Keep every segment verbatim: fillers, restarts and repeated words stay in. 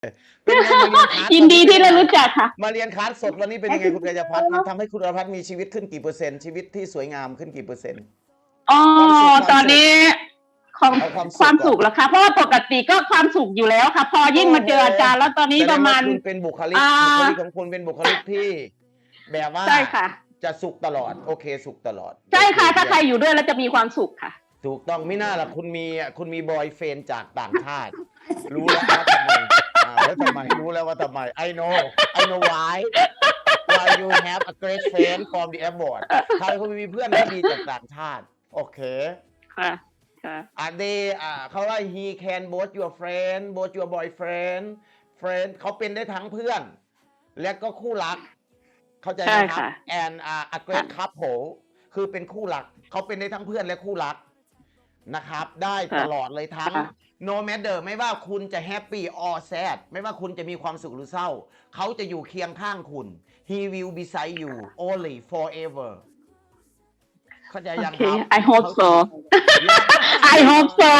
เป็นไงมาเรียนคลาสยินดีที่ได้รู้จักค่ะมาเรียนคลาสสดวันนี้เป็นยังไงคุณกัญญาพัฒน์มันทำให้คุณอรพัฒน์มีชีวิตขึ้นกี่เปอร์เซ็นต์ชีวิตที่สวยงามขึ้นกี่เปอร์เซ็นต์อ๋อตอนนี้ของเอาความสุขความสุขแล้วค่ะเพราะว่าปกติก็ความสุขอยู่แล้วค่ะ พอยิ่งมาเจออาจารย์แล้วตอนนี้ประมาณแสดงว่าคุณเป็นบุคลิกอ่าบุคลิกของคุณเป็นบุคลิกที่ แบบว่าใช่ค่ะจะสุขตลอดโอเคสุขตลอดใช่ค่ะ ถ้าใครอยู่ด้วยแล้วจะมีความสุขค่ะถูกต้องไม่น่าล่ะคุณมีคุณมีบอยเฟนจากต่างชาติ รู้แล้วว่าทำไมอ่าแล้วทำไมรู้แล้วว่าทำไม I know I know why why you have a great friend from the abroad ใครคุณมีเพื่อนที่ดีจากต่างชาติโอเคค่ะค่ะอ่า they อ่าเขาว่า he can both your friend both your boyfriend friend เขาเป็นได้ทั้งเพื่อน และก็คู่รัก เข้าใจไหมครับ and อ่า a great couple คือเป็นคู่รักเขาเป็นได้ทั้งเพื่อนและคู่รักนะครับ ได้ตลอดเลยทั้ง no matter ไม่ว่าคุณจะ happy or sad ไม่ว่าคุณจะมีความสุขหรือเศร้า เขาจะอยู่เคียงข้างคุณ he will beside you only forever เข้าใจยังครับ Okay I hope so I hope so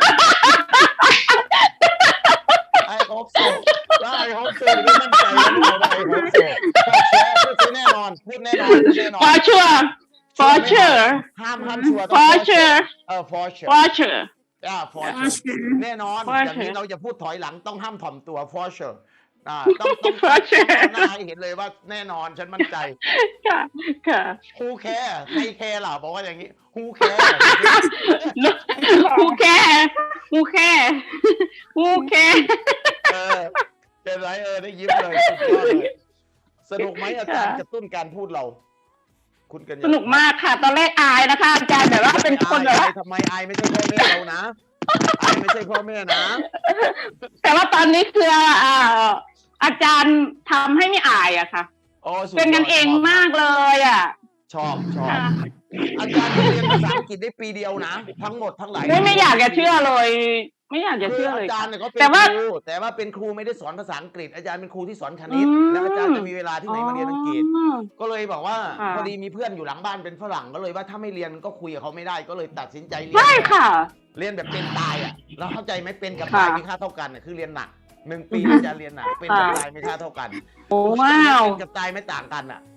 I hope so แล้ว I hope so ไม่มั่นใจว่าเราได้ I hope so พูดแน่นอนพูดแน่นอนพูดแน่นอน for sure for sure ห้ามห้ามชัวร์ต้อง for sure เออ for sure for sure อ่า for sure แน่นอน for อย่างนี้ sure เราจะพูดถอยหลังต้องห้ามถ่อมตัว for sure อ่าต้องต้อง for ต้อง sure ทำหน้าให้เห็นเลยว่าแน่นอนฉันมั่นใจค่ะค่ะ who care ไม่ care หรอบอกว่าอย่างนี้ who care who care who care who care เออเป็นไรเออได้ยิ้มเลยสุดยอดเลยสนุกไหมอาจารย์กระตุ้นการพูดเรา คุณกันสนุกมากค่ะ ตอนแรกอายนะคะอาจารย์แบบว่าเป็นคนแบบว่าทำไมอายไม่ใช่พ่อแม่เรานะอายไม่ใช่พ่อแม่นะแต่ว่าตอนนี้คืออ่าอาจารย์ทำให้ไม่อายอะค่ะโอ้สุดยอดเป็นกันเองมากเลยอะชอบชอบค่ะอาจารย์เรียนภาษาอังกฤษได้ปีเดียวนะทั้งหมดทั้งหลายไม่ไม่อยากจะเชื่อเลย ไม่อยากจะคืเชื่ออเลอาย จารย์เนี่ยเขาเป็นแต่ว่าครูแต่ว่าเป็นครูไม่ได้สอนภาษาอังกฤษอาจารย์เป็นครูที่สอนคณิตอืมแล้วอาจารย์จะมีเวลาที่ไหนมาเรียนอังกฤษอ๋อก็เลยบอกว่าค่ะพอดีมีเพื่อนอยู่หลังบ้านเป็นฝรั่งก็เลยว่าถ้าไม่เรียนก็คุยกับเขาไม่ได้ก็เลยตัดสินใจเรียนใช่ค่ะเรียนแบบเป็นตายอ่ะแล้วเข้าใจไหมเป็นกับค่ะตายมีค่าเท่ากันน่ะคือเรียนหนักหนึ่งปีอือฮึอาจารย์เรียนหนักเป็นกับค่ะตายไม่ค่าเท่ากันโอ้ว้าวเป็นกับตายไม่ต่างกันอ่ะ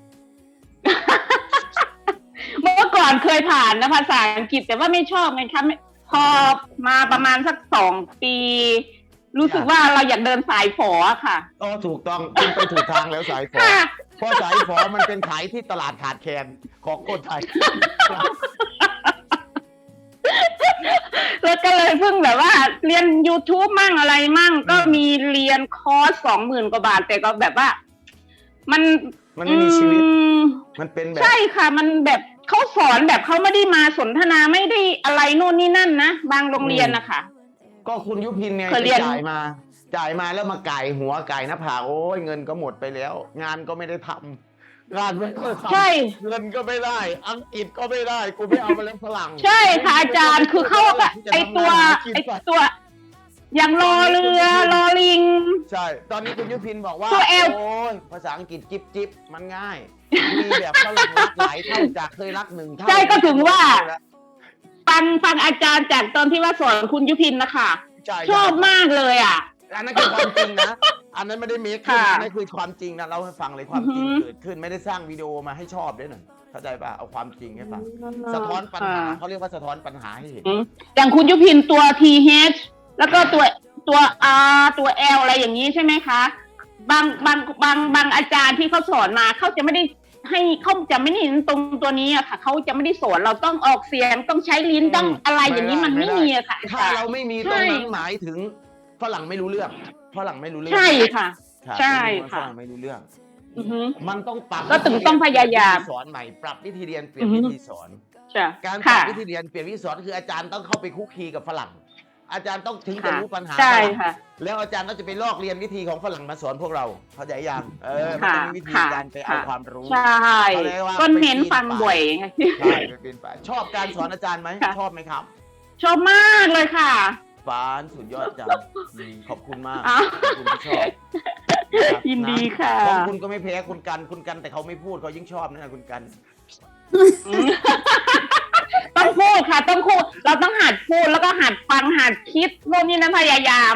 เมื่อก่อนเคยผ่านนะภาษาอังกฤษแต่ว่าไม่ชอบไงคะไม่พอมาประมาณสักสองปี รู้สึกว่าเราอยากเดินสายฝอค่ะก็ถูกต้องคุณไปถูกทางแล้วสายฝอค่ะเพราะสายฝอมันเป็นขายที่ตลาดขาดแคลนของคนไทยแล้วก็เลยเพิ่งแบบว่าเรียน YouTube มั่งอะไรมั่ง ก็มีเรียนคอร์สสองหมื่นกว่าบาท แต่ก็แบบว่า มันมันไม่มีชีวิตอืมมันเป็นแบบใช่ค่ะ มันแบบเขาสอนแบบเขาไม่ได้มาสนทนาไม่ได้อะไรโน่นนี่นั่นนะบางโรงเรียนนะคะก็คุณยุพินไงเคยไปเรียนจ่ายมา จ่ายมาแล้วมาไก่หัวไก่หน้าผากโอ้ยเงินก็หมดไปแล้ว งานก็ไม่ได้ทำงานไม่ได้ทำใช่เงินก็ไม่ได้ อังกฤษก็ไม่ได้กูไม่เอามาแล้วฝรั่งใช่ค่ะอาจารย์คือเขาอะไอตัวไอตัว อย่างรอเรือรอลิงใช่ ตอนนี้คุณยุพินบอกว่าตัว L โอ้ยภาษาอังกฤษจิบจิบมันง่าย มีแบบฝรั่งรักหลายเท่าจากเคยรักหนึ่งเท่าใช่ก็ถึงว่า ฟังฟังอาจารย์จากตอนที่ว่าสอนคุณยุพินนะคะใช่ชอบมากเลยอ่ะอันนั้นคือความจริงนะ อันนั้นไม่ได้เมคขึ้นค่ะอันนั้นคือความจริงนะเราให้ฟังเลยความจริงอือฮึเกิดขึ้นไม่ได้สร้างวิดีโอมาให้ชอบด้วยหน่อยเข้าใจป่ะเอาความจริงให้ฟังสะท้อนปัญหาค่ะเขาเรียกว่าสะท้อนปัญหาให้เห็นอืมอย่างคุณยุพินตัว ที เอช แล้วก็ตัวตัว R ตัว L อะไรอย่างนี้ใช่ไหมคะ บางบางบางบางอาจารย์ที่เขาสอนมาเขาจะไม่ได้ให้เขาจะไม่ได้เห็นตรงตัวนี้อะค่ะเขาจะไม่ได้สอนเราต้องออกเสียงต้องใช้ลิ้นต้องอะไรอย่างนี้มันไม่มีอะค่ะถ้าเราไม่มีตรงนั้นใช่หมายถึงฝรั่งไม่รู้เรื่องฝรั่งไม่รู้เรื่องใช่ค่ะรับใช่ฝค่ะรั่งไม่รู้เรื่องอือฮึมันต้องปรับก็ถึงต้องพยายามวิธีสอนใหม่ปรับวิธีเรียนเปลี่ยนอือฮึวิธีสอนจ้ะการปรัค่ะบวิธีเรียนเปลี่ยนวิธีสอนคืออาจารย์ต้องเข้าไปคุกคีกับฝรั่ง อาจารย์ต้องถึงจะค่ะรู้ปัญหาใช่ฝรั่งค่ะแล้วอาจารย์ก็จะไปลอกเรียนวิธีของฝรั่งมาสอนพวกเราเข้าใจยังเออมันค่ะต้องมีวิธีค่ะการไปเอาค่ะความรู้ใช่เขาเรียกว่าก็เน้นฟังบ่อยไงใช่ไปเป็นไปชอบการสอนอาจารย์ไหมค่ะชอบไหมครับชอบมากเลยค่ะฟานสุดยอดจังอืมขอบคุณมากอ้าวขอบคุณที่ชอบนะครับยินดีค่ะของคุณก็ไม่แพ้คุณกันคุณกันแต่เขาไม่พูดเขายิ่งชอบนะคุณกันอืมต้องพูดค่ะ ต้องพูดเราต้องหัดพูดแล้วก็หัดฟังหัดคิดโน่นนี่นั่นพยายาม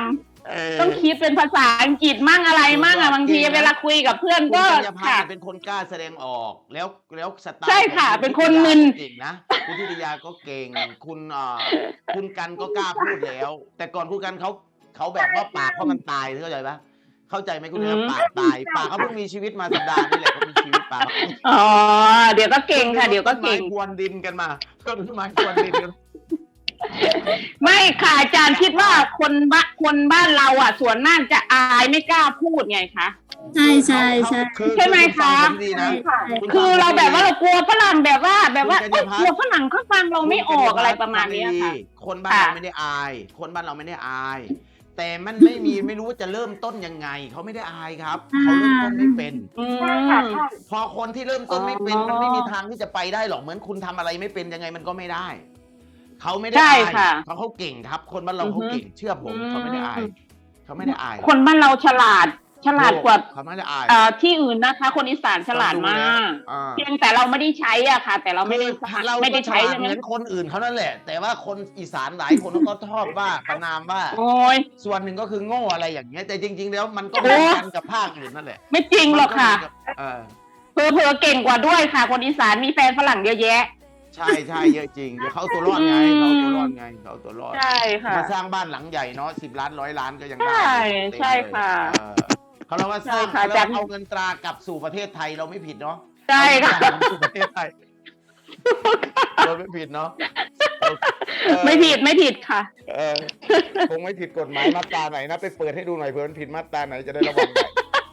เออต้องคิดเป็นภาษาอังกฤษมั่งอะไรมั่งอะบางทีเวลาคุยกับเพื่อนคุณก็กัญญาพันค่ะธ์เป็นคนกล้าแสดงออกแล้วแล้วสไตล์ใช่ค่ะของเป็นคนมึนเก่งนะคุณทิติยาก็เก่งคุณอ่าคุณกันก็กล้าพูดแล้ว แต่ก่อนคุณกันเขาเขาแบบว่าปากเขามันตายเข้าใจปะเข้าใจไหมคุณเนี่ยปากตายปากเขาเพิ่งมีชีวิตมาสัปดาห์นี่แหละเขามีชีวิตปากอ๋อเดี๋ยวก็เก่งค่ะ เดี๋ยวก็เก่งต้นไม้พรวนดินกันมาต้นไม้พรวนดินกันไม่ค่ะอาจารย์คิดว่าคนบ้านคนบ้านเราอ่ะ ส่วนมากจะอายไม่กล้าพูดไงคะใช่ใช่ใช่คือใช่ไหมคะณฟังผมดีนะณคือเราแบบว่าฟัเรางผมดีกลัวฝรั่งแบบว่าแบบว่าคุณเอ้กัยญญาพัฒน์กลัวฝรั่งเขาฟังเราไม่ออกอะไรประมาณเนี้ยค่ะคนบ้านค่ะเราไม่ได้อาย คนบ้านเราไม่ได้อาย แต่มันไม่มีไม่รู้ว่าจะเริ่มต้นยังไง เขาไม่ได้อายครับเขาเริ่มต้นไม่เป็นอืมพอคนที่เริ่มต้นไม่เป็นอ๋อมันไม่มีทางที่จะไปได้หรอกเหมือนคุณทำอะไรไม่เป็นยังไงมันก็ไม่ได้ เขาไม่ได้ใช่อายค่ะเพราะเขาเก่งครับ คนบ้านเราอือฮึเขาเก่งเชื่อผมอืมเขาไม่ได้อายเขาไม่ได้อายคนบ้านเราฉลาด ฉลาดกว่าเขาไม่ได้อายเอ่อที่อื่นนะคะ คนอีสานฉลาดมากอ่าเพียงแต่เราไม่ได้ใช้อ่ะค่ะ แต่เราไม่ได้คือเราไม่ก็ได้ฉใช้ลาดใช่ไหเหมมือนคนอื่นเขานั่นแหละ แต่ว่าคนอีสานหลายคนก็ชอบว่าประนามว่าโอ้ยส่วนหนึ่งก็คือโง่อะไรอย่างเงี้ยแต่จริง ๆ แล้วมันก็เหมือนกันกับภาคอื่นนั่นแหละไม่จริงหรอกค่ะมันก็เหมือนกับเออเพอเพอๆเก่งกว่าด้วยค่ะ คนอีสานมีแฟนฝรั่งเยอะแยะใช่ใช่เยอะจริงเดี๋ยวเขาเอาตัวรอดไงอืมเขาเอาตัวรอดไงเขาเอาตัวรอดใช่ค่ะมาสร้างบ้านหลังใหญ่เนาะสิบล้านร้อยล้านก็ยังได้ใช่เต็มใช่เลยค่ะเออเขาเรียกว่าสร้างใช่ค่ะเขาเรียกจัว่าน เอาเงินตรากลับสู่ประเทศไทยเราไม่ผิดเนาะใช่ค่ะเอาเงินตราสู่ประเทศไทยเราไม่ผิดเนาะเออไม่ผิดไม่ผิดค่ะเออคงไม่ผิดกฎหมายมาตราไหนนะไปเปิดให้ดูหน่อยเผื่อมันผิดมาตราไหนจะได้ระวังหน่อย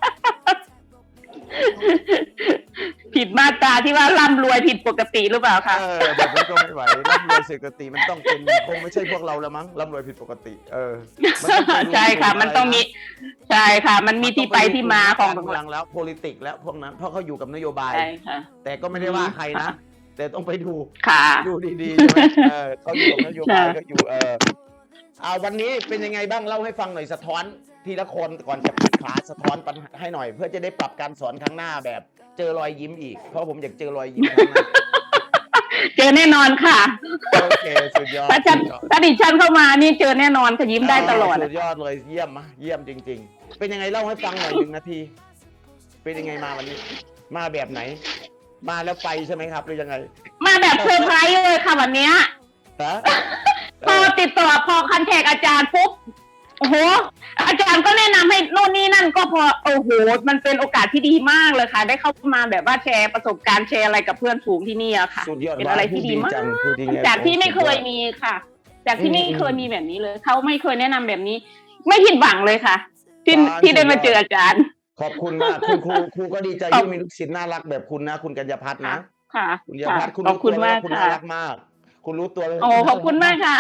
ผิดมาตราที่ว่าร่ำรวยผิดปกติหรือเปล่าคะเออแบบนี้ก็ไม่ไหวร่ำรวยผิดปกติมันต้องเป็นคงไม่ใช่พวกเราแล้วมั้งร่ำรวยผิดปกติ เออมันต้องไปดูใช่ค่ะ มันต้องมี ใช่ค่ะ มันมีที่ไปที่มาของการเมืองแล้ว politics แล้วพวกนั้นเพราะเขาอยู่กับนโยบายใช่ค่ะแต่ก็ไม่ได้ว่าใครนะ แต่ต้องไปดูค่ะดูดีๆใช่ไหมเออเขาอยู่กับนโยบายใช่ก็อยู่เอออ่าวันนี้เป็นยังไงบ้างเล่าให้ฟังหน่อยสะท้อนทีละคนก่อนจะปิดขาสะท้อนปัญหาให้หน่อย เพื่อจะได้ปรับการสอนครั้งหน้าแบบ เจอรอยยิ้มอีกเพราะผมอยากเจอรอยยิ้มครั้งหน้าเจอแน่นอนค่ะโอเคสุดยอดถ้าฉันสุดยอดถ้าดิฉันเข้ามานี่เจอแน่นอนค่ะยิ้มได้ตลอดสุดยอดเลยเยี่ยมมะเยี่ยมจริง ๆ เป็นยังไงเล่าให้ฟังหน่อยหนึ่งนาที เป็นยังไงมาวันนี้ มาแบบไหน มาแล้วไปใช่ไหมครับหรือยังไงมาแบบเซอร์ไพรส์เลยค่ะวันเนี้ยฮะพอติดต่อพอคันแทกอาจารย์ปุ๊บโอ้โหอาจารย์ก็แนะนำให้โน่นนี่นั่นก็พอโอ้โหมันเป็นโอกาสที่ดีมากเลยค่ะ ได้เข้ามาแบบว่าแชร์ประสบการณ์แชร์อะไรกับเพื่อนฝูงที่นี่อะค่ะสุดยอดเป็นอะไรที่ดีมากจังพูดดีไงจากที่ไม่เคยมีค่ะ จากที่ไม่เคยมีแบบนี้เลยเขาไม่เคยแนะนำแบบนี้ ไม่ผิดหวังเลยค่ะ ที่ที่ได้มาเจออาจารย์ขอบคุณมากคุณครูครูก็ดีใจที่มีลูกศิษย์น่ารักแบบคุณนะคุณกัญญาพัฒน์นะค่ะคุณกัญญาพัฒน์คุณขอบรู้คุตัวณแล้มาว กคุณค่ะน่ารักมาก คุณรู้ตัวแล้วโอ้ขอบคุณมากค่ะ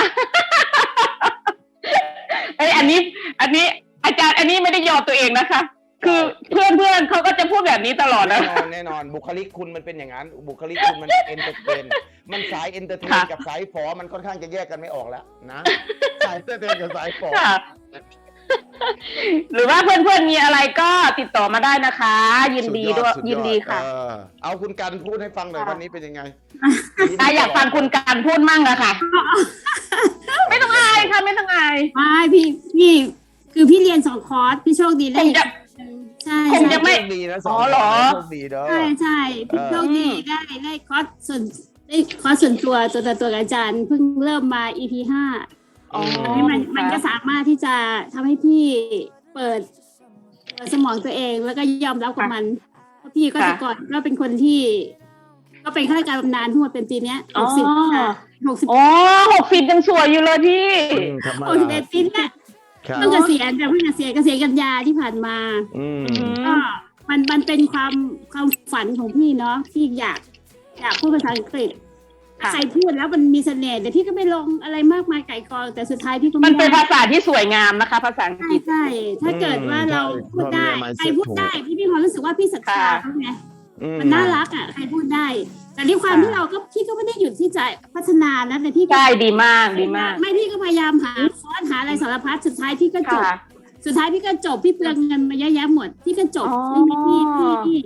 เอ้ยอันนี้ อันนี้อาจารย์อันนี้ไม่ได้ยอตัวเองนะคะ คือเพื่อนเพื่อนๆเขาก็จะพูดแบบนี้ตลอดแน่นะนอนแน่นอนบุคลิกคุณมันเป็นอย่างนั้น บุคลิกคุณมันเอนเตอร์เทนมันสายเอนเตอร์เทนค่ะกับสายฝอมันค่อนข้างจะแยกกันไม่ออกแล้วนะสายเอนเตอร์เทนกับสายฝอค่ะ หรือว่าเพื่อนเพื่อนๆมีอะไรก็ติดต่อมาได้นะคะ ยินดีด้วยสุยินดีค่ะเออเอาคุณกันพูดให้ฟังหน่อยค่ะวันนี้เป็นยังไงอ่ะอยากฟังคุณการพูดมั่งอะค่ะ ไม่ต้องอายค่ะ ไม่ต้องอายไม่พี่พี่คือพี่เรียนสองคอร์สพี่โชคดีคได้งจะใช่คงใช่จะ ไม่โชคดีนะสองอ๋อเหรอโชคดีเด้อใช่ใช่พี่โชคดีได้ได้คอร์สส่วนได้คอร์สส่วนตัวตัวต่อตัวกับอาจารย์เพิ่งเริ่มมา อี พี ห้าอ๋ออันนี้มันมันก็สามารถที่จะทำให้พี่เปิดเปิดสมองตัวเองแล้วก็ยอมรับกับมันเพราะพี่ก็แต่ก่อนก็เป็นคนที่ ก็เป็นข้าราชการบำนาญทั้งหมดเป็นปีเนี้ยหกสิบอ๋อหกสิบโอ้หกสิบยังสวยอยู่เลยพี่อืมธรรมหกสิบดาเอ็ดปีเนี่ยครับเพิ่งเกษียณแต่เพิ่งเกษียณเกษียณกันยาที่ผ่านมาอืมก็มันมันเป็นความความฝันของพี่เนาะที่อยากอยากพูดภาษาอังกฤษถ้าค่ะใครพูดแล้วมันมีเสน่ห์แต่พี่ก็ไม่ลงอะไรมากมายไก่กองแต่สุดท้ายพี่ก็มันไม่เป็นได้ภาษาที่สวยงามนะคะ ภาษาอังใช่กฤษใช่ถ้าเกิดว่าเราพูดได้ใช่ใครพูดได้พี่มีความรู้สึกว่าพี่ศรัทธาค่ะเขาไงอืมันน่ารักอ่ะใครพูดได้ แต่ในความค่ะที่เราก็พี่ก็ไม่ได้หยุดที่จะพัฒนานะแต่พี่ก็ใช่ดีมากดีมากไม่พี่ก็พยายามหาคอร์สหาอะไรสารพัดสุดท้ายพี่ก็จบค่ะสุดท้ายพี่ก็จบพี่เปลืองเงินมาเยอะแยะหมดพี่ก็จบอ๋อไม่มีพี่พี่พี่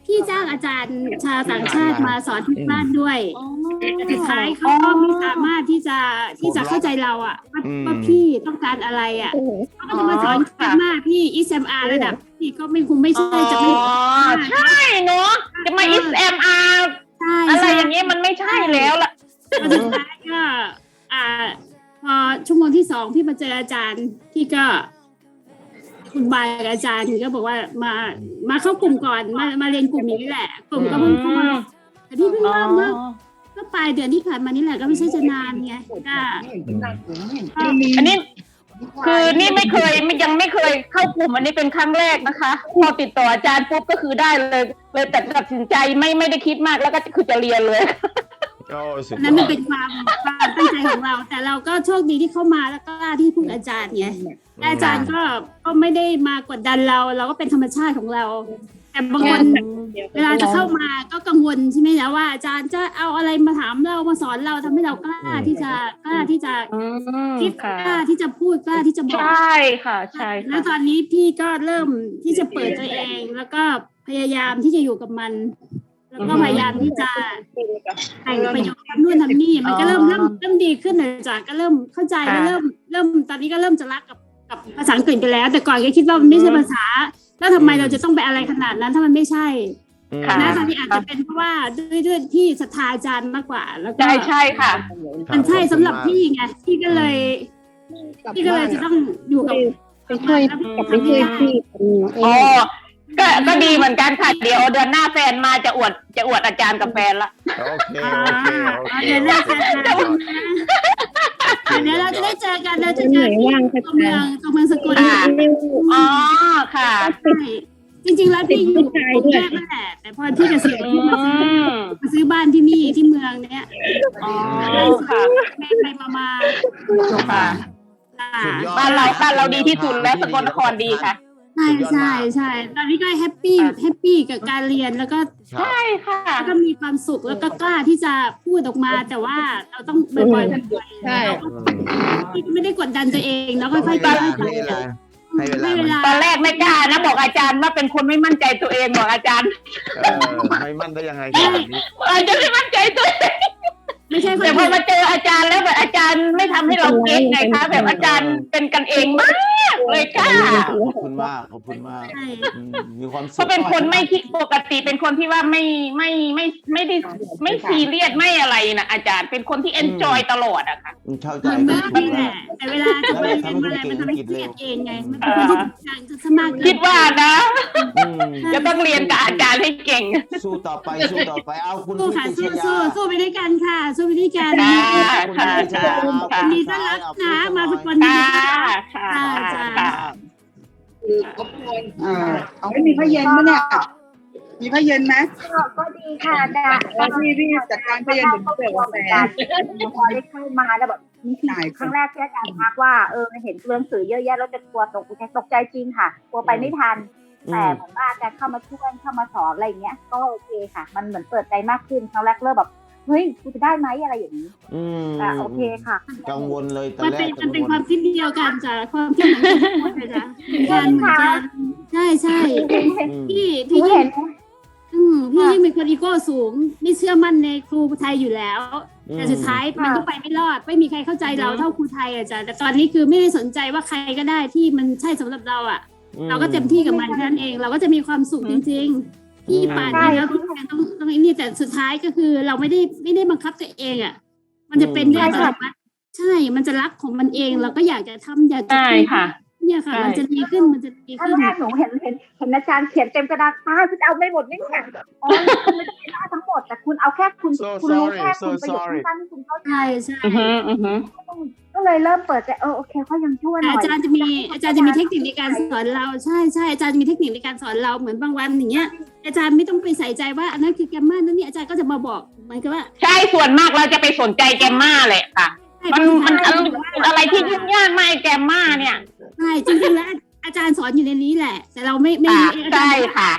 พี่จ้างอาจารย์ชาวต่างชาติมาสอนที่บ้านด้วยแต่สุดท้ายเขาก็ไม่สามารถที่จะที่จะเข้าใจเราอ่ะว่าว่าพี่ต้องการอะไรอ่ะเขาก็จะมาสอนกันมากพี่ เอส เอ็ม อาร์ ระดับพี่ก็ไม่คงไม่ใช่จะไม่อ๋อใช่เนาะจะมา เอส เอ็ม อาร์ใช่อะไรอย่างเงี้ยมันไม่ใช่แล้วล่ะแล้วสุดท้ายก็อ่าพอชั่วโมงที่สองพี่มาเจออาจารย์พี่ก็คุณบายกับอาจารย์ก็บอกว่ามามาเข้ากลุ่มก่อนมามาเรียนกลุ่มนี้แหละ กลุ่มก็เพิ่งเข้ามาแต่พี่เพิ่งเริ่มเมื่อก็ปลายเดือนที่ผ่านมานี่แหละก็ไม่ใช่จะนานไงก็อันนี้คือนี่ไม่เคยไม่ยังไม่เคยเข้ากลุ่มอันนี้เป็นครั้งแรกนะคะพอติดต่ออาจารย์ปุ๊บก็คือได้เลยเลยแต่ตัดสินใจไม่ไม่ได้คิดมากแล้วก็คือจะเรียนเลยโอ้สุดยอดนั่นมันเป็นความความตั้งใจของเรา แต่เราก็โชคดีที่เข้ามาแล้วก็ที่พึ่งอาจารย์ไงอาจารย์ก็ก็ไม่ได้มากดดันเรา เราก็เป็นธรรมชาติของเรา แต่บางคนเวลาจะเข้ามาก็กังวลใช่ไหมนะว่าอาจารย์จะเอาอะไรมาถามเรามาสอนเราทำให้เรากล้าที่จะกล้าที่จะคิดกล้าที่จะพูดกล้าที่จะบอกใช่ค่ะใช่แล้วตอนนี้พี่ก็เริ่มที่จะเปิดตัวเอง แล้วก็พยายามที่จะอยู่กับมัน แล้วก็พยายามที่จะแต่งประโยชน์ทำนู่นทำนี่มันก็เริ่มเริ่มเริ่มดีขึ้นเลยจ้ะก็เริ่มเข้าใจแล้วเริ่มเริ่มตอนนี้ก็เริ่มจะรักกับกับภาษาอังกฤษไปแล้ว แต่ก่อนก็คิดว่ามันไม่ใช่ภาษาแล้วทำไมเราจะต้องไปอะไรขนาดนั้นถ้ามันไม่ใช่นะตอนนี้อาจจะเป็นเพราะว่าด้วยด้วยที่ศรัทธาอาจารย์มากกว่า แล้วก็ใช่ใช่ค่ะมันใช่สำหรับพี่ไงพี่ก็เลยพี่ก็เลยจะต้องอยู่กับไปช่วยกับไปช่วยพี่อ๋อก็ก็ดีเหมือนกันค่ะเดี๋ยวเดือนหน้าแฟนมาจะอวดจะอวดอาจารย์กับแฟนละโอเคโอเคโอเคเดี๋ยวเราจะเดี๋ยวเราจะได้เจอกันเราจะเจอที่ตัวเมืองตัวเมืองสกลอ๋อค่ะใช่จริงๆแล้วพี่อยู่กรุงเทพนั่นแหละแต่พอที่เกษียณพี่มาซื้อมาซื้อบ้านที่นี่ที่เมืองเนี้ยอ๋อค่ะไปไปมามาค่ะสุดยอดบ้านเราบ้านเราดีที่สุดและสกลนครดีค่ะใช่ใช่ใช่ตอนนี้ก็แฮปปี้แฮปปี้กับการเรียนแล้วก็ใช่ค่ะแล้วก็มีความสุขแล้วก็กล้าที่จะพูดออกมา แต่ว่าเราต้องบ่อยๆบ่อยๆใช่พี่ก็ไม่ได้กดดันตัวเองแล้วค่อยๆให้ไปเวลาให้เวลาให้เวลาตอนแรกไม่กล้านะบอกอาจารย์ว่าเป็นคนไม่มั่นใจตัวเองบอกอาจารย์เออไม่มั่นได้ยังไงกันแบบนี้อาจารย์ไม่มั่นใจตัวเองไม่ใช่คนแต่พออื่นมาเจออาจารย์แล้วแบบอาจารย์ไม่ทำให้เราเก็ตไงคะแบบอาจารย์เป็นกันเองมากเลยค่ะขอบคุณมากขอบคุณมากใช่อืมมีความสุขเขาเป็นคนไม่คิดปกติเป็นคนที่ว่าไม่ไม่ไม่ไม่ได้ไม่ซีเรียสไม่อะไรนะอาจารย์เป็นคนที่เอนจอยตลอดอะค่ะเข้าเหใจมือนเข้าเมื่อใจนี่แหละแต่เวลาจะไปเรียนอะไรมันทำให้เครียดเองไงมันเป็นคนที่อยากจะสมัครคิดว่านะอืมจะต้องเรียนกับอาจารย์ให้เก่งสู้ต่อไปสู้ต่อไปเอาคุณสู้พิค่ะชสู้ยาสู้สู้ไปด้วยกันค่ะ สู้ไปด้วยกันค่ะคุณพิชยาค่ะยินดีต้อนรับนะมาสกลค่ะนี้ค่ะค่ะจ้าค่ะอ่าเอาไม่มีผ้าเย็นไหมเนี่ย มีผ้าเย็นไหมก็ดีค่ะดาเอาพี่พี่จัดการผ้าเย็นเดี๋ยวเสิร์ฟกาแฟพอได้เข้ามาแล้วแบบนี่คือได้ครั้งแรกที่อาจารย์ทักว่าเออเห็นตัวหนังสือเยอะแยะแล้วจะกลัวตกใจตกใจจริงค่ะกลัวไปไม่ทัน แต่เหมือนว่าอาจารย์เข้ามาช่วยเข้ามาสอนอะไรอย่างเงี้ย ก็โอเคค่ะ มันเหมือนเปิดใจมากขึ้นครั้งแรกเริ่มแบบเฮ้ยกูจะได้ไหมอะไรอย่างนี้อืมแต่โอเคค่ะกังวลเลยตอนมันแรเป็นกมันเป็นความคิดเดียวกันจ้ะความคิดเหมือนกันหมดเลยจ้ะเหมือนกันเหมือนกันใช่ใช่อืมพี่หนูพี่เห็ยิ่งนอืมพี่ยิ่งเป็นคนอีโก้สูง ไม่เชื่อมั่นในครูไทยอยู่แล้ว แต่สุดท้ายมันก็ไปไม่รอด ไม่มีใครเข้าใจเราเท่าครูไทยอ่ะจ้ะแต่ตอนนี้คือไม่ได้สนใจว่าใครก็ได้ที่มันใช่สำหรับเราอ่ะ เราก็เต็มที่กับมันแค่นั้นเอง เราก็จะมีความสุขจริงๆพี่ป่านนี้แล้วต้องต้องต้องไอ้นี่แต่สุดท้ายก็คือเราไม่ได้ไม่ได้บังคับตัวเองอ่ะ มันจะเป็นเรื่องอัตโนมัติใช่ มันจะรักของมันเอง เราก็อยากจะทำอยากจะใช่ค่ะเนี่ยค่ะใช่มันจะดีขึ้นมันจะดีครั้ขึ้งนแรกหนูเห็นเห็นเห็นอาจารย์เขียนเต็มกระดาษตาคุณจะเอาไม่หมดไม่เนี่ยอ๋อคุณไม่ได้ทั้งหมดแต่คุณเอาแค่คุณ So คุณรู้ sorry, แค่ so คุณประโยค sorry สั้นๆที่คุณเข้าใจใช่ใช่อือฮึอือฮึก็เลยเริ่มเปิดใจเออโอเคเขายังช่วยหน่อยอาจารย์จะมีอาจารย์จะมีเทคนิคในการสอนเราใช่ใช่อาจารย์จะมีเทคนิคในการสอนเราเหมือนบางวันอย่างเงี้ย อาจารย์ไม่ต้องไปใส่ใจว่าอันนั้นคือแกมมานั่นนี่อาจารย์ก็จะมาบอกเหมือนกับว่าใช่ส่วนมากเราจะไปสนใจแกมมาเลยค่ะ มันมันอะไรที่ยุ่งยากมากแกมมาเนี่ยใช่จริงๆแล้วอาจารย์สอนอยู่ในนี้แหละ แต่เราไม่ไม่ค่ะรู้เองอาจารใช่ย์ค่ะ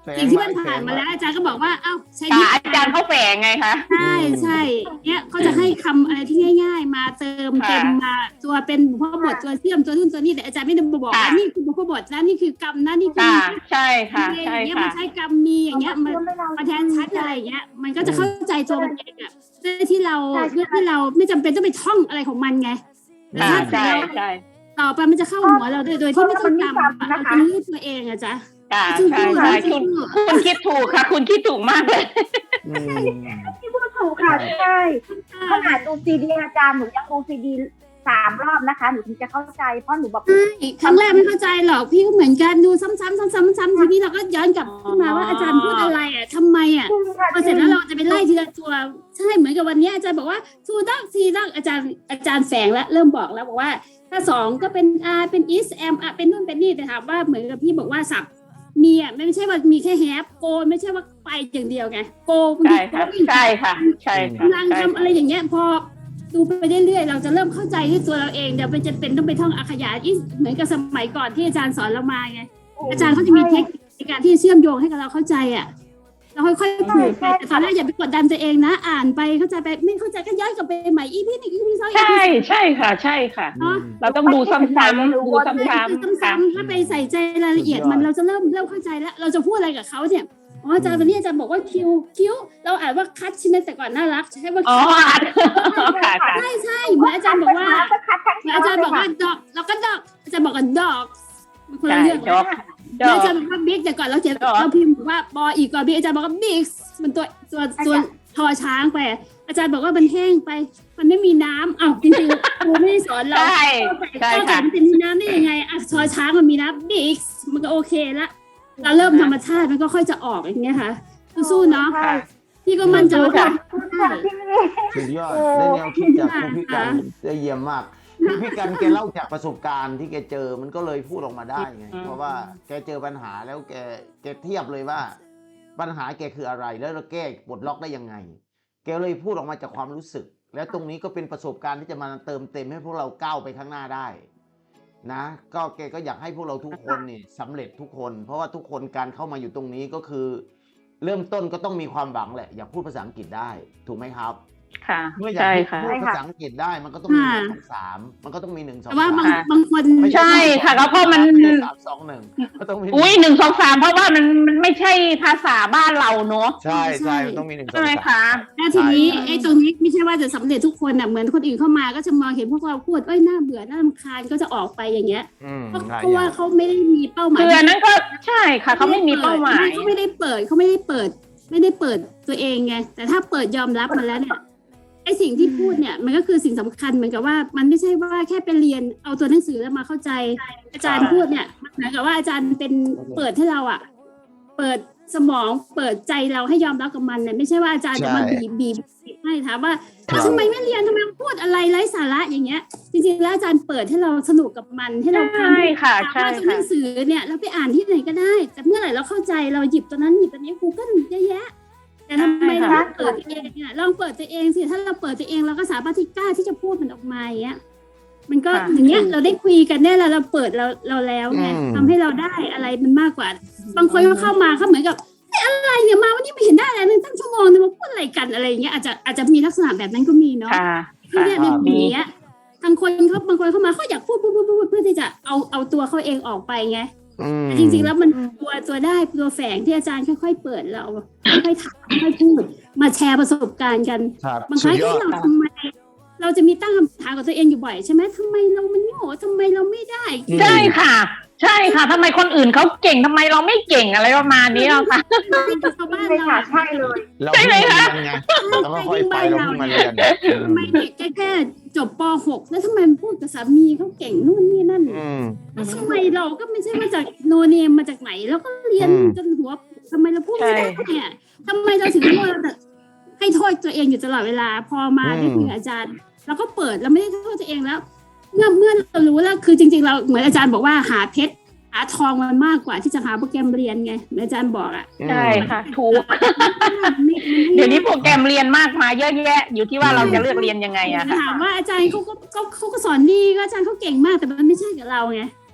แฝงสิ่งที่มันไว้ผ่านมาแฝงไว้แล้วอาจารย์ก็บอกว่าเอ้าใช้ค่ะนี่อาจารย์เขาแฝงไงคะใช่ใช่เนี่ยเขาจะให้คำอะไรที่ง่าย ๆ มาเติมค่ะเต็มมาตัวเป็นบุพบทตัวเชื่อมตัวนู่นตัวนี้แต่อาจารย์ไม่ได้บอกค่ะว่านี่คือบุพบทนะนี่คือกรรมนะนี่คือค่ะใช่ค่ะอใช่ย่างเงี้ยค่ะมันใช้กรรมมีอย่างเงี้ยมันมาแทนชัดอะไรอย่างเงี้ยมันก็จะเข้าใจตัวมันเองอะเพื่อที่เราใช่ใช่เพื่อที่เราไม่จำเป็นต้องไปท่องอะไรของมันไงแต่ค่ะถ้าใช่เราใช่ต่อไปมันจะเข้าหัวเราโดยโดยที่ไม่ต้องจำอะเราจะรู้ตัวเองอะจ๊ะค่ะใช่ใช่คุณคุณคิดถูกค่ะ คุณคิดถูกมากเลยอืมที่พูดถูกค่ะใช่ขนาดดูซีดีอาจารย์หนูยังดูซีดีสามรอบนะคะหนูถึงจะเข้าใจเพราะหนูแบบใช่ครั้งแรกไม่เข้าใจหรอกพี่ก็เหมือนกันดูซ้ำๆซ้ำๆซ้ำๆทีนี้เราก็ย้อนกลับขึ้นมาว่าอาจารย์พูดอะไรอ่ะทำไมอ่ะพอเสร็จแล้วเราจะไปไล่ทีละตัวใช่เหมือนกับวันนี้อาจารย์บอกว่าทูดักซีดักอาจารย์อาจารย์แฝงแล้วเริ่มบอกแล้วบอกว่าถ้าสองก็เป็น R เป็น is am อ่ะเป็นนู่นเป็นนี่แต่ถามว่าเหมือนกับพี่บอกว่าสับมีอ่ะไม่ใช่ว่ามีแค่แฮปโกไม่ใช่ว่าไปอย่างเดียวไงโกใช่ค่ะใช่ค่ะใช่ค่ะกำลังทำอะไรอย่างเงี้ยพอดูไปเรื่อยๆเราจะเริ่มเข้าใจที่ตัวเราเองเดี๋ยวไปจะเป็นต้องไปท่องอักขยาอีกเหมือนกับสมัยก่อนที่อาจารย์สอนเรามาไงอาจารย์เขาจะมีเทคนิคในการที่จะเชื่อมโยงให้กับเราเข้าใจอ่ะเราค่อยๆผูกไปแต่ตอนแรกอย่าไปกดดันตัวเองนะ อ่านไปเข้าใจไปไม่เข้าใจก็ย้อนกลับไปใหม่อีพีหนึ่งอีพีสองใช่ใช่ค่ะ ใช่ค่ะเนาะเราต้องดูซ้ำๆดูซ้ำๆค่ะซ้ำๆถ้าไปใส่ใจรายละเอียดมันเราจะเริ่มเริ่มเข้าใจแล้ว เราจะพูดอะไรกับเขาเนี่ยอ๋ออาจารย์วันนี้อาจารย์บอกว่าคิวคิวเราอ่านว่าคัดใช่ไหมแต่ก่อนน่ารักใช่ว่าอ๋อค่ะค่ะใช่ใช่เหมือนอาจารย์บอกว่าก็คัดคัดอาจารย์บอกว่าดอกเราก็ดอกอาจารย์บอกว่าดอกมันคนละเรื่องดอกแล้วอาจารย์บอกว่าบิ๊กแต่ก่อนเราเขียนเราพิมพ์บอกว่าบออีกก่อนบิ๊กอาจารย์บอกว่าบิ๊กมันตัวตัวตัวทอช้างไปอาจารย์บอกว่ามันแห้งไป มันไม่มีน้ำอ้าวจริงๆครูไม่ได้สอนเราใช่ใช่ก็แต่ค่ะมันจะมีน้ำได้ยังไงอ่ะทอช้างมันมีน้ำบิ๊กมันก็โอเคละเราเริ่มธรรมชาติมันก็ค่อยจะออกอย่างเงี้ยค่ะสู้ๆเนาะค่ะพี่ก็มั่นใจว่าค่ะสุดยอดได้แนวคิดจากคุณพี่กันได้เยี่ยมมากพี่พี่กันแกเล่าจากประสบการณ์ที่แกเจอมันก็เลยพูดออกมาได้ไงอืมเพราะว่าแกเจอปัญหาแล้วแกแกเทียบเลยว่า ปัญหาแกคืออะไรแล้วเราแก้ปลดล็อกได้ยังไง แกเลยพูดออกมาจากความรู้สึก แล้วตรงนี้ก็เป็นประสบการณ์ที่จะมาเติมเต็มให้พวกเราก้าวไปข้างหน้าได้ นะก็แกก็อยากให้พวกเราทุกคนนี่สำเร็จทุกคน เพราะว่าทุกคนการเข้ามาอยู่ตรงนี้ก็คือ เริ่มต้นก็ต้องมีความหวังแหละ อยากพูดภาษาอังกฤษได้ถูกไหมครับค่ะเมื่ออยากใช่พูค่ะดภาษาอังกฤษได้มันก็ต้องมีหนึ่งสองสามมันก็ต้องมีหนึ่งสองแต่ว่าสามบางบางคนไม่ใช่ค่ะแล้วเพราะมันไใช่สามสองหนึ่งก็ต้องมีอุ้ยหนึ่งสองสามเพราะว่ามันมันไม่ใช่ภาษาบ้านเราเนอะใช่ใช่มันต้องมีหนึ่งสองใช่ไหมสามคะแล้วทีนี้ไอ้ตรงนี้ไม่ใช่ว่าจะสำเร็จทุกคนอ่ะเหมือนคนอื่นเข้ามาก็จะมองเห็นพวกเราพูดเอ้ยน่าเบื่อน่ารำคาญก็จะออกไปอย่างเงี้ยอืมเพราะหลายเพราะอว่าย่างเขาไม่ได้มีเป้าหมายคืออันนั้นก็ใช่ค่ะเขาไม่มีเป้าหมายเขาไม่ได้เปิดเขาไม่ได้เปิด ไม่ได้เปิดตัวเองไงแต่ถ้าเปิดยอมรับมันแล้วเนี่ยไอ้สิ่งที่พูดเนี่ยมันก็คือสิ่งสำคัญเหมือนกับว่ามันไม่ใช่ว่าแค่ไปเรียนเอาตัวหนังสือแล้วมาเข้าใจ อาจารย์พูดเนี่ยมันเหมือนกับว่าอาจารย์เป็นเปิดให้เราอ่ะ เปิดสมองเปิดใจเราให้ยอมรับกับมันเนี่ยไม่ใช่ว่าอาจารย์จะมาบีบบีบบีบให้ถามว่าอ้าวทำไมไม่เรียนทำไมพูดอะไรไร้สาระอย่างเงี้ย จริงๆแล้วอาจารย์เปิดให้เราสนุกกับมันให้เราใช่ค่ะถามใช่ว่าตัวหค่ะนังสือเนี่ยเราไปอ่านที่ไหนก็ได้ แต่เมื่อไหร่เราเข้าใจเราหยิบตัวนั้นหยิบตัวนี้ Google เยอะแยะ แต่ทำไมเราไม่เปิดตัวเองเนี่ยลองเปิดตัวเองสิถ้าเราเปิดตัวเองเราก็สามารถที่กล้าที่จะพูดมันออกมาอย่างเงี้ย มันก็อย่างเงี้ยเราได้คุยกันได้แล้วเราเปิดเราเราแล้วไงทำให้เราได้อะไรมันมากกว่า บางคนก็เข้ามาเขาเหมือนกับอะไรเนี่ยมาวันนี้ไม่เห็นได้อะไรเลยตั้งชั่วโมงนึงมาพูดอะไรกันอะไรอย่างเงี้ยอาจจะอาจจะมีลักษณะแบบนั้นก็มีเนาะค่ะที่เนี่ยเป็นอย่างเงี้ยทางคนเขาบางคนเข้ามาเขาอยากพูดพูดพูดพูดเพื่อที่จะเอาเอาตัวเขาเองออกไปไงอืมแต่จริงๆแล้วมันตัวตัวได้ตัวแฝงที่อาจารย์ค่อยๆเปิดเราค่อยๆถามค่อยๆพูดมาแชร์ประสบการณ์กันครับบางครั้งสุดยอที่ดเราทำไมเราจะมีตั้งคำถามกับตัวเองอยู่บ่อยใช่ไหมทำไมเรามันโง่ทำไมเราไม่ได้ใช่ค่ะ ใช่ค่ะทำไมคนอื่นเขาเก่งทำไมเราไม่เก่งอะไรประมาณนี้เราค่ะชาวบ้านเลยเราค่ะใช่เลยเราใช่ไหมเพิ่งคะมาเรียนไงเราก็ค่อยไปเราเพิ่งมาเรียนทำไมเด็กแค่แค่จบป หก แล้วทำไมมันพูดกับสามีเขาเก่งนู่นนี่นั่นอืมแล้วทำไมเราก็ไม่ใช่มาจากโนเนมมาจากไหนแล้วก็เรียนอืมจนหัวทำไมเราพูดไม่ได้เนี่ยทำไมเราถึงโทษแต่ให้โทษตัวเองอยู่ตลอดเวลา พอมาได้คุยกับอาจารย์เราก็เปิดเราไม่ได้โทษตัวเองแล้ว เมื่อเมื่อเรารู้แล้วคือจริง ๆ เราเหมือนอาจารย์บอกว่าหาเพชรหาทองมันมากกว่าที่จะหาโปรแกรมเรียนไงเหมือนอาจารย์บอกอ่ะใช่ค่ะ ถูกไม่เดี๋ยวนี้โปรแกรมเรียนมากมายเยอะแยะ อยู่ที่ว่าเราจะเลือกเรียนยังไงอะค่ะถามว่าอาจารย์เขาก็เขาเขาก็สอนดีก็อาจารย์เขาเก่งมากแต่มันไม่ใช่กับเราไง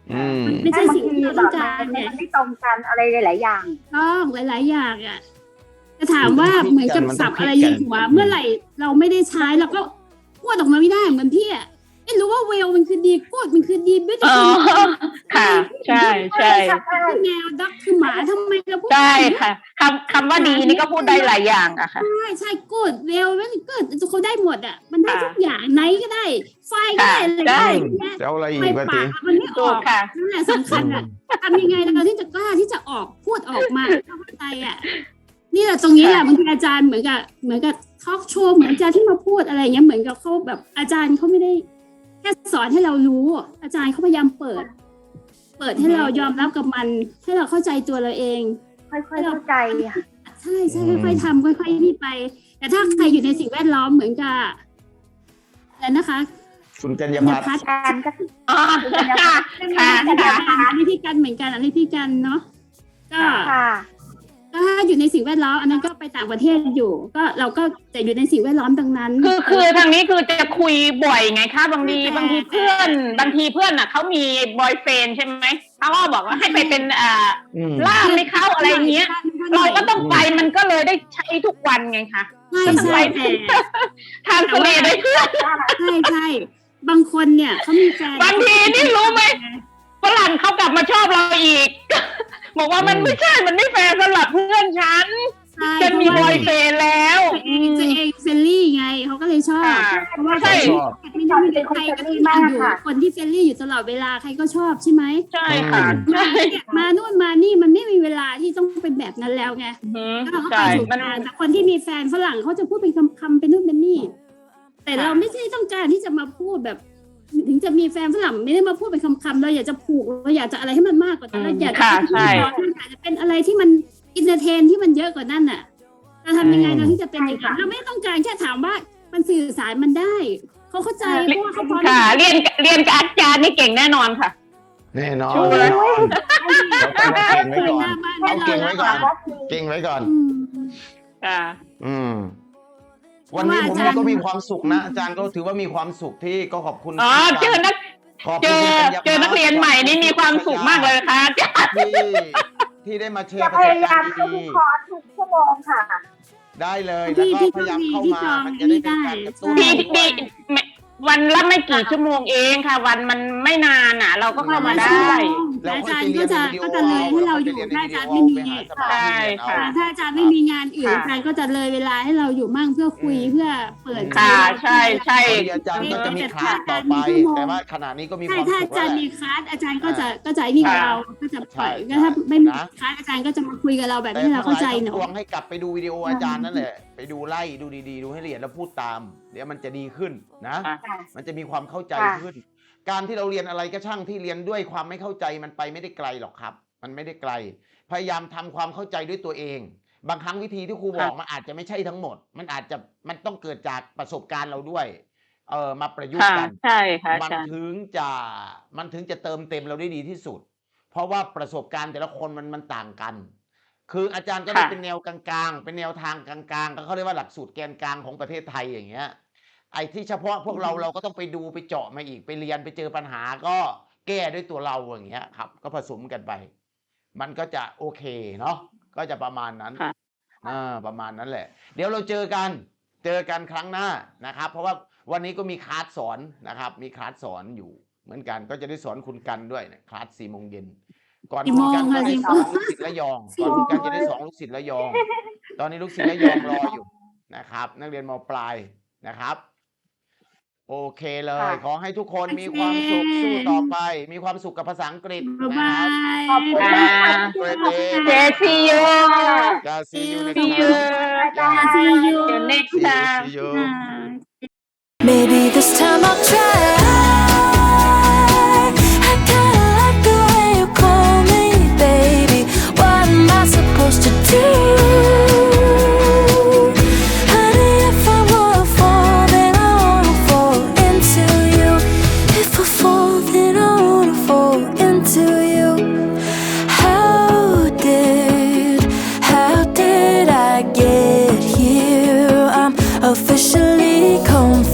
อืมไม่ใช่บางสิ่งทีที่เราแบต้องบการมันเนี่ยไม่ตรงกันอะไรหลายๆอย่างต้องหลาย ๆ อย่างอ่ะจะถามว่ามันต้องเหมือนกับมันต้องสับอะไรคิดกันในหัวเมื่อไหร่เราไม่ได้ใช้เราก็พูดออกมาไม่ได้เหมือนพี่อ่ะไม่รู้ว่าเวลมันคือดีกูดมันคือดีบิวอ๋อตี้ค่ะ ใช่ใช่แมวด็อกคือหมาทำไมเราพูดใช่ค่ะคำคำว่าดีนี่ก็พูดได้หลายอย่างอะค่ะใช่ใช่กูดเวลมันกูดเขาได้หมดอ่ะมันได้ค่ะทุกอย่างไหนก็ได้ ไฟก็ได้อะไรก็ได้ใช่ใช่ไหมจะเอาอะไรอีไฟกวะปาทีกมันไม่อถูอก กค่ะนั่นแหละสำคัญอ่ะทำยังไงเราที่จะกล้าที่จะออกพูดออกมาเข้าใจอ่ะนี่แหละตรงนี้แหละบางทีอาจารย์เหมือนกับเหมือนกับทอล์กโชว์เหมือนอาจารย์ที่มาพูดอะไรอย่างเงี้ยเหมือนกับเขาแบบอาจารย์เขาไม่ได้แค่สอนให้เรารู้ อาจารย์เขาพยายามเปิด เปิดให้เรายอมรับกับมันให้เราเข้าใจตัวเราเองค่อยๆเข้าใจค่ะใช่ใช่ค่อยๆทำค่อยๆนี่ไป แต่ถ้าใครอยู่ในสิ่งแวดล้อมเหมือนกับอะไรนะคะคุณกัญญาคุณพัฒน์พัฒน์การก็คืออ๋อ ค่ะ ค่ะอันนี้พี่กันเหมือนกันอันนี้พี่กันเนาะก็ค่ะก็ถ้าอยู่ในสิ่งแวดล้อมอันนั้นก็ไปต่างประเทศอยู่ ก็เราก็จะอยู่ในสิ่งแวดล้อมตรงนั้นคือคือทางนี้คือจะคุยบ่อยไงคะบางทีแต่บางทีเพื่อนบางทีเพื่อนอ่ะเขามีบอยเฟรนด์ใช่ไหมเขาก็บอกว่าให้ไปเป็นอ่าอืมล่ามให้เขาอะไรอย่างเงี้ย เราก็ต้องไปมันก็เลยได้ใช้ทุกวันไงคะใช่ใช่แต่ทางทะเลได้เพื่อนใช่ใช่บางคนเนี่ยเขามีแฟนบางทีนี่รู้ไหม ฝรั่งเขากลับมาชอบเราอีก บอกว่ามันไม่ใช่มันไม่แฟร์สำหรับเพื่อนฉันใช่ฉันมีบอยเฟรนด์แล้วตัวเองตัวเองเฟรนลี่ไงเขาก็เลยชอบค่ะเพราะว่าใช่ชอบไม่ได้มีใครก็ต้องการอยู่คนที่เฟรนลี่อยู่ตลอดเวลาใครก็ชอบใช่ไหมใช่ค่ะมาใช่มานู่นมานี่มันไม่มีเวลาที่ต้องเป็นแบบนั้นแล้วไงอืมก็เขาไปใช่ถูกมันทางแต่คนที่มีแฟนฝรั่งเขาจะพูดเป็นคำๆเป็นนู่นเป็นนี่ แต่เราไม่ใช่ต้องการที่จะมาพูดแบบ ถึงจะมีแฟนฝรั่งไม่ได้มาพูดเป็นคำๆเราอยากจะผูกเราอยากจะอะไรให้มันมากกว่านั้นเราอยากจะค่ะเป็นใช่เราอยากจะเป็นอะไรที่มันอินเตอร์เทนที่มันเยอะกว่านั้นน่ะเราทำยังไงเราที่จะเป็นอย่างนั้นเราไม่ต้องการแค่ถามว่ามันสื่อสารมันได้เขาเข้าใจเพราะว่าเขาพร้อมค่ะ เรียนเรียนกับอาจารย์นี่เก่งแน่นอนค่ะแน่นอนชัวร์แน่นอนเราต้องเอาเก่งไว้ก่อนหน้าบ้านเอาเก่งไว้ก่อนเราเก่งไว้ก่อนอืมค่ะอืม วันนี้ผมเพราะว่าอาจารย์ก็มีความสุขนะ อาจารย์ก็ถือว่ามีความสุขที่ก็ขอบคุณอ๋อเจอนักขอบเจคุณอคุณกัญญาเจอนักเรียนใหม่นี่มีความสุขมากเลยค่ะอาจารย์ที่ที่ได้มาแชจะร์ประพสบยายาการมณ์เข้าดีทุกคอร์สทุกชั่วโมงค่ะๆได้เลยพี่แล้วก็พี่พยายามเข้าพี่มาจองมันจะได้เป็นการกระตุ้นพี่พี่ด้วยพี่วันละไม่กี่ชั่วโมงเองค่ะ วันมันไม่นานอ่ะ เราก็เข้ามาได้แล้วอาค่อยจารไปย์เรีก็ยนจะในวิดีโอก็จะเลยให้เราอยู่ไปถ้าเรีอายนจารย์ในไม่วิมีดีโอไปหาสมาธิเรียนเอาใช่ค่ะถ้าอาจารย์ไม่มีงานอื่นค่ะอาจารย์ก็จะเลยเวลาให้เราอยู่มั่งเพื่อคุยอืมเพื่อเปิดค่ะใช่ใช่พอดีอาจารย์ก็จะมีคลาสต่อไป แต่ว่าขณะนี้ก็มีคใช่วามถ้าสุอาขจาแล้วรย์แหมีละคลาสอาจารย์ก็จะก็จะนี่กับค่ะเราก็จะปล่อยใช่ก็ถ้าไม่มีนะคลาสอาจารย์ก็จะมาคุยกับเราแบบแต่ที่เราทั้งหเข้าลายใจทั้งเนาะปวงให้กลับไปดูวิดีโออาจารย์นั่นแหละ ไปดูไล่ดูดีๆ ดูให้ละเอียดแล้วพูดตาม เดี๋ยวมันจะดีขึ้นนะค่ะมันจะมีความเข้าใจค่ะขึ้น การที่เราเรียนอะไรก็ช่างที่เรียนด้วยความไม่เข้าใจมันไปไม่ได้ไกลหรอกครับ มันไม่ได้ไกล พยายามทำความเข้าใจด้วยตัวเอง บางครั้งวิธีที่ครูบอกมันอาจจะไม่ใช่ทั้งหมด มันอาจจะมันต้องเกิดจากประสบการณ์เราด้วย เออมาประยุกต์ค่ะกันใช่ค่ะมัอาจารย์ถึงจะมันถึงจะเติมเต็มเราได้ดีที่สุด เพราะว่าประสบการณ์แต่ละคนมันมันต่างกัน คืออาจารย์ก็ได้ค่ะเป็นแนวกลางๆ เป็นแนวทางกลางๆก็เขาเรียกว่าหลักสูตรแกนกลางของประเทศไทยอย่างเงี้ย ไอ้ที่เฉพาะพวกเราเราก็ต้องไปดูไปเจาะมาอีกไปเรียนไปเจอปัญหาก็แก้ด้วยตัวเราอย่างเงี้ยครับ ก็ผสมกันไป มันก็จะโอเคเนาะก็จะประมาณนั้นค่ะอ่าประมาณนั้นแหละ เดี๋ยวเราเจอกันเจอกันครั้งหน้านะครับ เพราะว่าวันนี้ก็มีคลาสสอนนะครับ มีคลาสสอนอยู่เหมือนกันก็จะได้สอนคุณกันด้วยนะคลาสสี่โมงเย็นก่อนกี่คุโมณงกันก็คะได้สี่สโมอนงลูกศิษย์ระยองก่อนคุณกันจะได้สอนลูกศิษย์ระยอง ตอนนี้ลูกศิษย์ระยองรออยู่นะครับ นักเรียนม.ปลายนะครับ โอเคเลยค่ะขอให้ทุกคนมีความสุขสู้ต่อไป มีความสุขกับภาษาอังกฤษบ๊ายนะบาครับยขอบคุณมากค่ะเกรดเดย์เจซียูจะ see you next see time you อาจารย์ See you the next see you time see you Ah. Maybe this time I'll try.